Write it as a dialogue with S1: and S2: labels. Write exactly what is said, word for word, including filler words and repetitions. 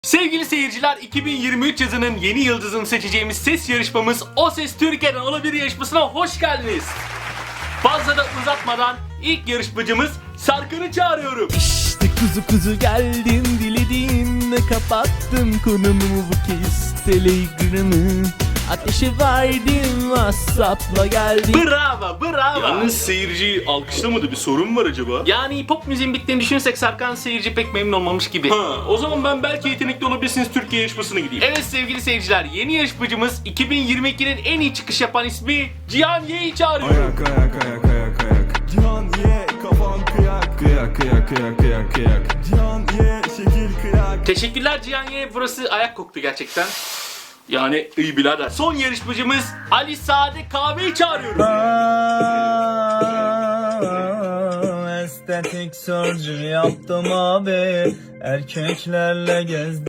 S1: Sevgili seyirciler, iki bin yirmi üç yazının yeni yıldızını seçeceğimiz ses yarışmamız O Ses Türkiye'den Olabilir yarışmasına hoş geldiniz. Fazla da uzatmadan ilk yarışmacımız Sarkan'ı çağırıyorum.
S2: İşte kuzu kuzu geldim, dilediğimle kapattım konumu bu kez Telegram'ı. Ateşe verdim, WhatsApp'la geldim.
S1: Bravo, bravo.
S3: Yalnız seyirciyi alkışlamadı, bir sorun mu var acaba?
S1: Yani pop müziğin bittiğini düşünürsek Sarkan seyirci pek memnun olmamış gibi.
S3: Ha, o zaman ben belki yetenekli olabilirsiniz Türkiye yarışmasına gideyim.
S1: Evet sevgili seyirciler, yeni yarışmacımız iki bin yirmi ikinin en iyi çıkış yapan ismi Cihan Y'yi çağırıyorum.
S4: Ayak ayak ayak ayak ayak Cihan ye kafan kıyak Kıyak kıyak kıyak kıyak kıyak Cihan ye şekil kıyak.
S1: Teşekkürler Cihan Y. Burası ayak koktu gerçekten. Yani iyi birader. Son yarışmacımız Ali Sade Kahve'yi çağırıyorum.
S2: Estetik surgery yaptım abi, erkeklerle gezdim.